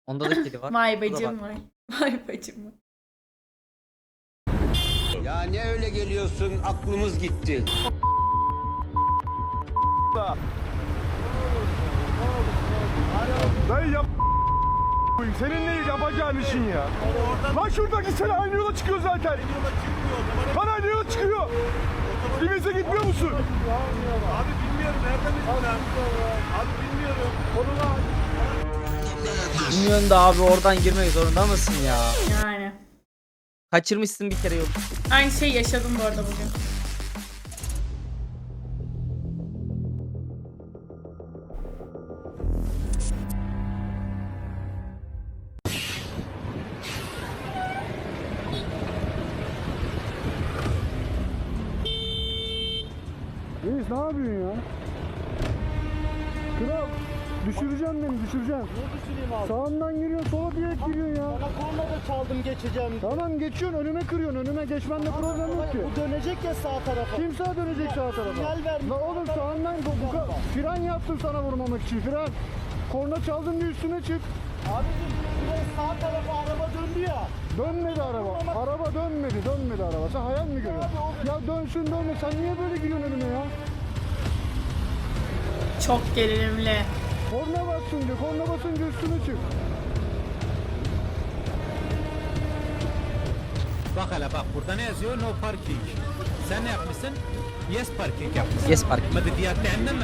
Onda da kedi var. Vay Burada bacım bak. var. Vay bacım var. Ya ne öyle geliyorsun, aklımız gitti. Dayı yap senin ne yapacağın işin ya? Lan şuradaki sen aynı yola çıkıyor zaten. Lan aynı yola çıkıyor. Dibinize gitmiyor musun? Abi bilmiyorum nereden bildin lan? Abi bilmiyorum. Konuna Bilmiyorsun da abi oradan girmek zorunda mısın ya? Yani. Kaçırmışsın bir kere yolu. Aynı şey yaşadım bu arada bugün. Reis ne yapıyorsun ya? Kral düşüreceksin beni düşüreceksin. ne düşüneyim abi? Sağından giriyorsun sola direkt giriyorsun ya. Sana korna da çaldım geçeceğim. Tamam geçiyorsun önüme kırıyorsun önüme geçmende problem yok ki. Bu dönecek ya sağ tarafa. Kim sağa dönecek sağ tarafa? Sinyal vermiş. La oğlum sağından fren yaptım sana vurmamak için fren. Korna çaldın diye üstüne çık. Abicim şuraya sağ tarafa araba döndü ya. Dönmedi araba. Araba dönmedi araba. Sen hayal mi görüyorsun? Ya dönsün dönme. Sen niye böyle giriyorsun önüme ya? Çok gerilimli. Korna basınca, korna basınca üstüne çık. Bak hele bak burada ne yazıyor? No parking. Sen ne yapmışsın? Yes parking yapmışsın. Yes park. ما بدي عندنا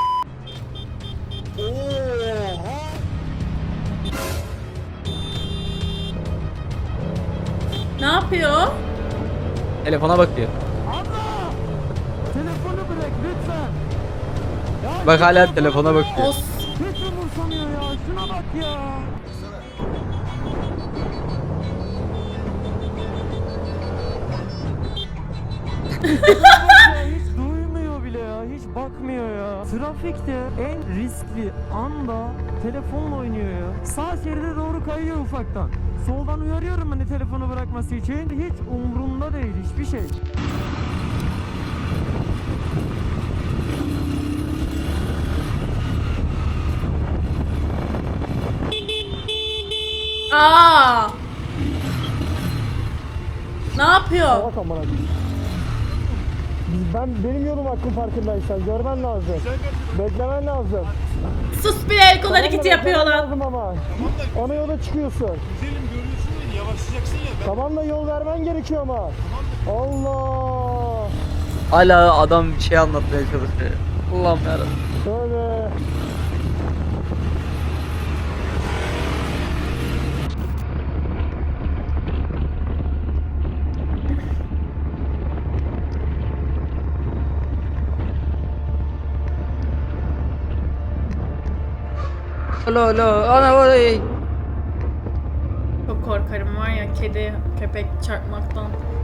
Ne yapıyor? Telefona bakıyor. Telefonu bırak lütfen. Bak hala telefona bakıyor. Os. Hiç umursamıyor ya. Şuna bak ya. Hiç duymuyor bile ya, hiç bakmıyor ya. Trafikte en riskli anda telefonla oynuyor ya. Sağ şeride doğru kayıyor ufaktan. Soldan uyarıyorum hani telefonu bırakması için. Hiç umrunda değil hiçbir şey. Aa! Ne yapıyor? Bak amına. Benim yolum hakkım farkındaysan görmen lazım. Beklemen lazım. Sus bile el kol hareketi Beklemen yapıyor lan. lazım ama. Ona yola çıkıyorsun. Güzelim görüyorsun ya yavaşlayacaksın ya. Tamam da yol vermen gerekiyor ama. Allah. Hala adam bir şey anlatmaya çalışıyor. Allah'ım yarabbim. Şöyle. Alo alo ana oy. Çok korkarım var ya kedi, köpek çarpmaktan.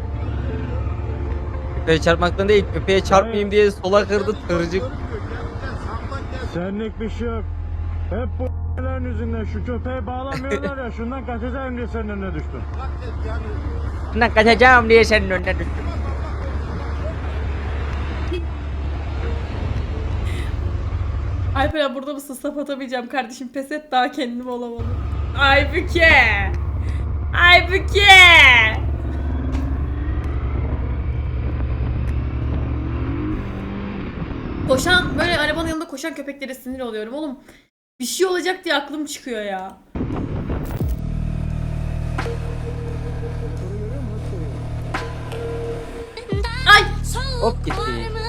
Köpeğe çarpmaktan değil, köpeğe çarpmayayım diye sola kırdı tırcık. Senlik bir şey yok. Hep bu yüzünden şu köpeği bağlamıyorlar ya şundan kaçacağım diye senin önüne düştüm. Bundan kaçacağım diye senin önüne düştüm. Alper burada mısın? Sap atamayacağım kardeşim. Pes et daha kendim olamadım. Aybüke! Aybüke! Koşan böyle arabanın yanında koşan köpeklere sinir oluyorum oğlum. Bir şey olacak diye aklım çıkıyor ya. Ay! Hop gitti.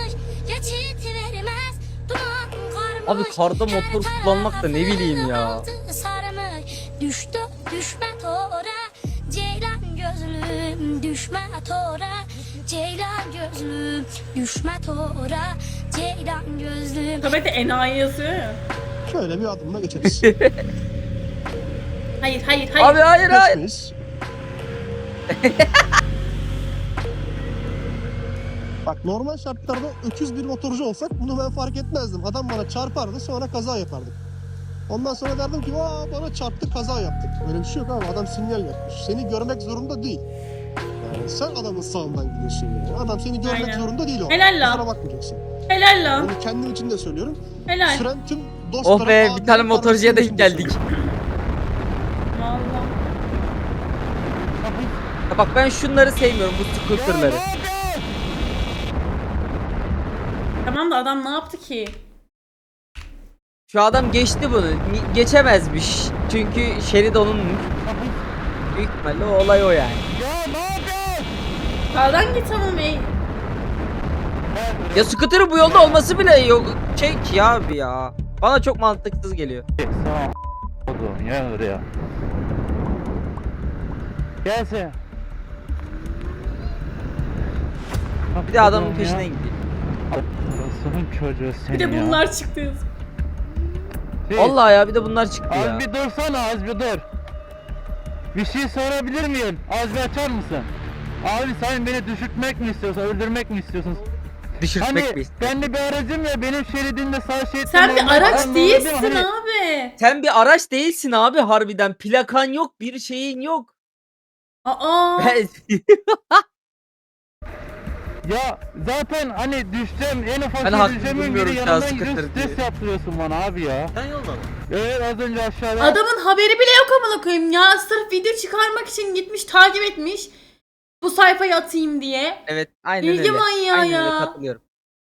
Abi karda motor kullanmak da ne bileyim ya. Düştü düşme tora ceylan gözlüm düşme tora ceylan gözlüm düşme tora ceylan gözlüm. Köpekte enayi yazıyor ya. Şöyle bir adımla geçeriz. Hayır hayır hayır. Abi hayır hayır. Geçmeyiz. Bak normal şartlarda öküz bir motorcu olsak bunu ben fark etmezdim. Adam bana çarpardı sonra kaza yapardık. Ondan sonra derdim ki aa bana çarptı kaza yaptık. Öyle bir şey yok abi adam sinyal yapmış. Seni görmek zorunda değil. Yani sen adamın sağından gidiyorsun yani. Adam seni görmek Aynen. zorunda değil o. Helal lan. Kusura bakmayacaksın. Helal lan. Bunu kendim için de söylüyorum. Helal. Süren tüm Oh dostlarım... be abilerim, bir tane motorcuya kardeşlerim denk için de geldik. söylüyorum. Ya bak ben şunları sevmiyorum, bu scooterları. Tamam da adam ne yaptı ki? Şu adam geçti bunu. Geçemezmiş. Çünkü şerit onunmuş. Büyük ihtimalle o olay o yani. Sağdan git tamam ey. Ya scooter'ın bu yolda olması bile yok. Çek ya abi ya. Bana çok mantıksız geliyor. Oğlum ya oraya. Gelsin. Bir de adamın peşine gidiyor. Orasının çocuğu sen Bir de ya. bunlar çıktı. Vallahi ya bir de bunlar çıktı ya. Az bir dursana, az bir dur. Bir şey sorabilir miyim? Az bir açar mısın? Abi sen beni düşürtmek mi istiyorsun, öldürmek mi istiyorsun? Düşürtmek Hani mi? ben de bir aracım ya, benim şeridimde sağ şeritte Sen bir normal araç adam değilsin olabilir, hani- abi. Sen bir araç değilsin abi harbiden. Plakan yok, bir şeyin yok. Aa. Ya zaten hani düşeceğim, en ufak Ben şey haklı düşeceğimin bulmuyorum biri şu an yanımdan scooter gidiyor, diye. stres yaptırıyorsun bana abi ya. Sen yolda mı? Evet, az önce aşağıda. Adamın haberi bile yok amına koyayım ya. Sırf video çıkarmak için gitmiş takip etmiş. Bu sayfayı atayım diye. Evet, aynen Bilgi öyle. manyağı Aynen öyle, ya. katılıyorum.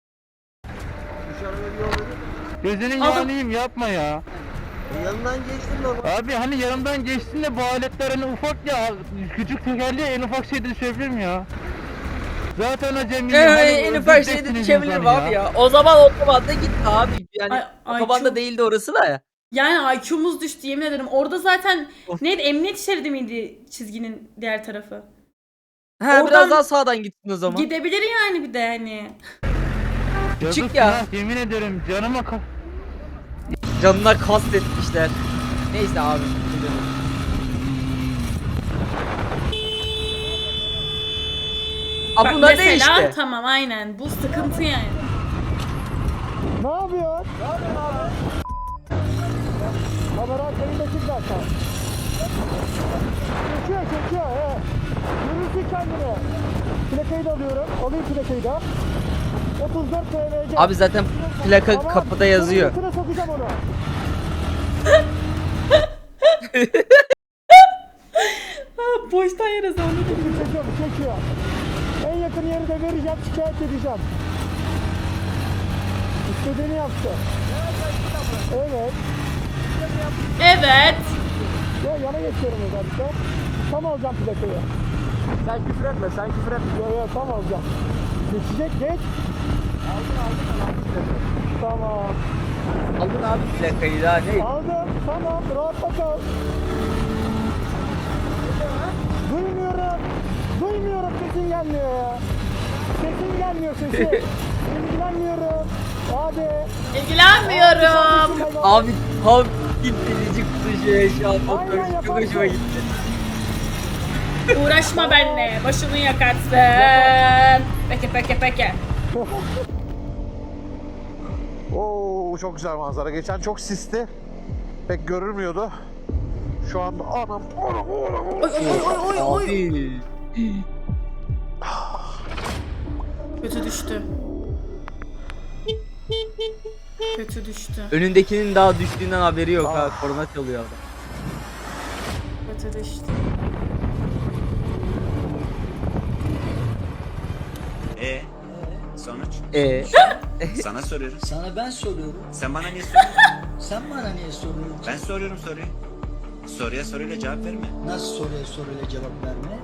Gözünün Adam- yanayım, yapma ya. Yanından geçtim baba. Abi hani yanımdan geçtin de bu aletler hani ufak ya, küçük tekerleğe en ufak şey düşebilirim ya. Zaten acemiyim. hani En ufak şeyde düşebilirim abi ya. O zaman otobanda git abi. Yani Ay, otobanda çok- değildi orası da ya. Yani IQ'muz düştü yemin ederim. Orada zaten Of. neydi? Emniyet şeridi miydi çizginin diğer tarafı? Ha Oradan biraz daha sağdan gittin o zaman. Gidebilir yani bir de hani. Küçük ya. Yemin ederim canıma Canına kast etmişler. Neyse abi. Abi Bak bunlar mesela değişti. tamam aynen. Bu sıkıntı yani. Ne yapıyorsun? Ne yapıyorsun abi? Kamera kayındaki zaten. Çekiyor he. Görürsün kendini. Plakayı da alıyorum. Alayım plakayı da. 34 TVC. Abi zaten plaka Tamam, kapıda yazıyor. sonra götüne sokacağım onu. Boştan yere sonra Çekiyor. En yakın yeri de vereceğim, şikayet edeceğim. İstediğini yaptı. Evet. Evet. Ya yana geçiyorum özellikle. Tam alacağım plakayı. Sen küfür etme, sen küfür etme. Yok tam alacağım. Geçecek, geç. Aldın. Tamam. Aldın abi plakayı daha ne? Aldım, tamam. Rahatla kal. Duymuyorum. Duymuyorum, sesin gelmiyor ya. Sesin gelmiyor sesi. İlgilenmiyorum. Hadi. İlgilenmiyorum. Abi tam gitti kuşu şu an motor Aynen, çok yaparsın. hoşuma gitti. Uğraşma benimle. Başını yakarsın. Peki. Oo çok güzel manzara. Geçen çok sisti. Pek görülmüyordu. Şu anda anam. Abi. Kötü düştü. Kötü düştü. Önündekinin daha düştüğünden haberi yok ha. Korna çalıyor adam. Kötü düştü. Sonuç? Sana soruyorum. Sana ben soruyorum. Sen bana niye soruyorsun? Sen bana niye soruyorsun? Ben soruyorum soruyu. Soruya soruyla cevap verme. Nasıl soruyla cevap verme?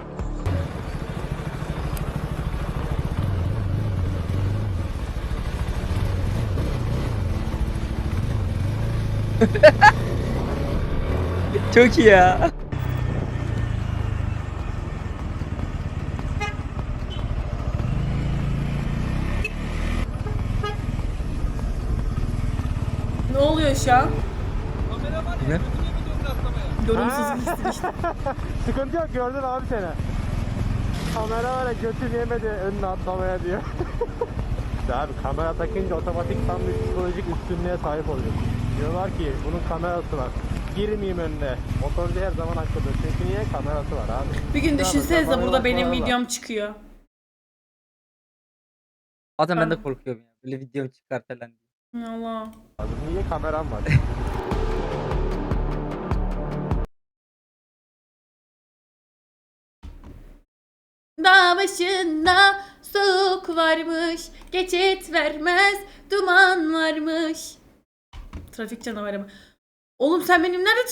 Çok iyi ya. Ne oluyor şu an? Ne? Yorumsuz gitsin işte. Sıkıntı yok, gördün abi seni. Kamera var ya, götün yemedi önüne atlamaya diyor. Abi kamera takınca otomatik tam bir psikolojik üstünlüğe sahip oluyorsun. Diyorlar ki bunun kamerası var. Girmeyeyim önüne. Motorcu her zaman haklıdır. Çünkü niye? Kamerası var abi. Bir gün düşünsenize kafana burada benim bakmalar var. videom çıkıyor. Zaten ben de korkuyorum ya. Böyle video çıkar falan. Allah. Niye kameram var? Dağ başında soğuk varmış, geçit vermez, duman varmış. Trafik canavarı mı? Oğlum sen benim nerede